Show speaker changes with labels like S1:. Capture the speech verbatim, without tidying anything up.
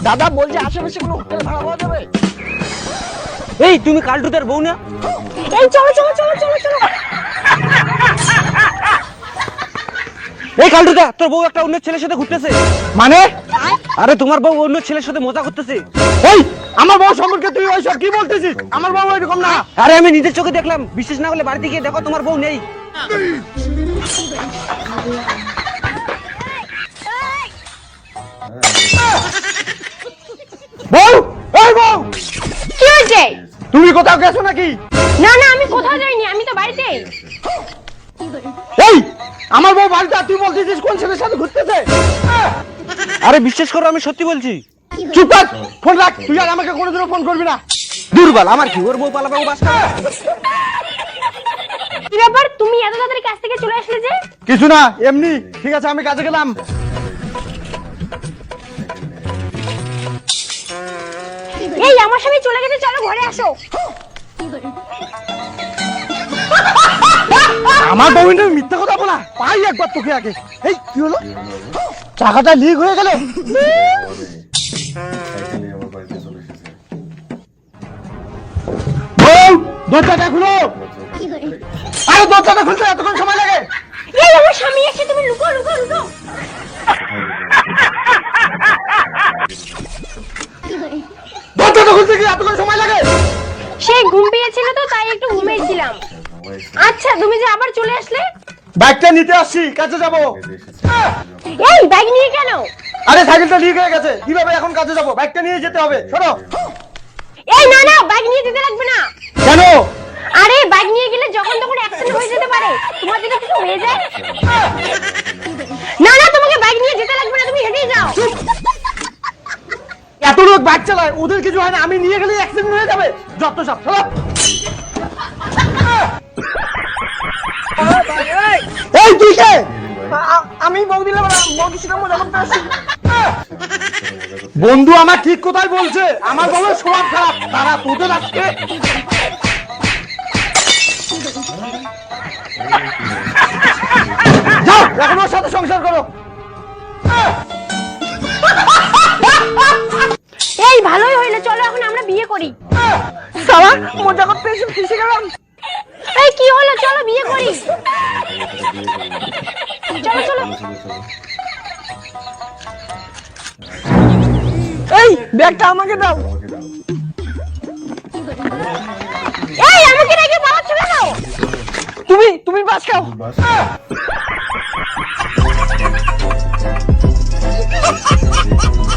S1: দাদা বলছে আশেপাশে কোনো হোটেল ভাড়া পাওয়া যাবে?
S2: এই তুমি কালটুদের বউ না?
S3: এই চলো চলো চলো চলো চলো।
S2: এই কালটুদা, তোর বউ একটা অন্য ছেলের সাথে ঘুরতেছে।
S1: মানে?
S2: আরে তোমার বউ অন্য ছেলের সাথে মজা করতেছে।
S1: এই আমার বউ সম্পর্কে তুই ওইসব কি বলতেছিস? আমার বউ এরকম না।
S2: আরে আমি নিজের চোখে দেখলাম, বিশ্বাস না করলে বাড়িতে গিয়ে দেখো, তোমার বউ নেই।
S1: বউ, এই বউ,
S3: কি হয়েছে?
S1: তুমি কোথাও গেছো নাকি?
S3: না না আমি কোথাও যাইনি, আমি তো বাড়িতেই।
S1: এই আমার বউ বাড়িতে, আর তুই বলতেছিস কোন ছেলের সাথে ঘুরতেছে?
S2: আরে বিশ্বাস করো, আমি সত্যি বলছি।
S1: চুপ কর, ফোন রাখ। তুই আর আমাকে কোনোদিনও ফোন করবি না।
S2: দুর্বল, আমার কি ওর বউ পালাবে, ও বাস খাবে।
S3: কি ব্যাপার, তুমি এত তাড়াতাড়ি কাজ থেকে চলে আসলে যে?
S1: কিছু না, এমনি। ঠিক আছে, আমি কাজে গেলাম।
S3: এই আমার সাথে চলে গেছে, চলো ঘরে আসো।
S1: আমার বউটা মিথ্যা কথা বলা, পাই একবার তোকে আগে। এই কি হলো? চাকাটা লিক হয়ে গেল। বউ, দরজাটা খুলো। আরে দরজাটা খুলতে এতক্ষণ সময় লাগে?
S3: এই আমার স্বামী এসে, তুমি লুকো লুকো লুকো।
S1: দরজাটা খুলতে কি এতক্ষণ সময় লাগে?
S3: সে ঘুম পেয়েছিল তো, তাই একটু ঘুমিয়েছিলাম। আচ্ছা তুমি যে আবার চলে আসলে?
S1: বাইকটা নিতে আসছি, কাজে যাব।
S3: এই ব্যাগ নিয়ে কেন?
S1: আরে সাইকেলটা লিক হয়ে গেছে, কিভাবে এখন কাজে যাব? বাইকটা নিয়ে যেতে হবে, শোনো।
S3: এই না না, ব্যাগ নিয়ে যেতে লাগবে না।
S1: কেন?
S3: আরে ব্যাগ নিয়ে গেলে যখন তখন অ্যাক্সিডেন্ট হয়ে যেতে পারে, তোমার যদি কিছু হয়ে যায়। না না, তোমাকে ব্যাগ নিয়ে যেতে লাগবে না, তুমি হেঁটেই যাও।
S1: এত লোক বাইক চালায়, ওদের কিছু হয় না, আমি নিয়ে গেলে অ্যাক্সিডেন্ট হয়ে যাবে। যত সব চলো। এই তুই কে? আমি বৌদি বৌদির সাথে মজা করতে আসছি। বন্ধু আমার ঠিক কোথায় বলছে, আমার বউয়ের স্বভাব খারাপ। তারা তোদের আজকে যাও, এখন ওর সাথে সংসার করো।
S3: এই ভালোই হইলো, চলো এখন আমরা বিয়ে করি।
S1: সালা মজা করতে এসে ফেসে গেলাম।
S3: এই কি হলো, চলো বিয়ে করি। চলো চলো।
S1: এই ব্যাগটা আমাকে দাও।
S3: এই আমাকে রেখে পালাচ্ছ কেন?
S1: তুমি তুমি বাস খাও।
S4: Basta.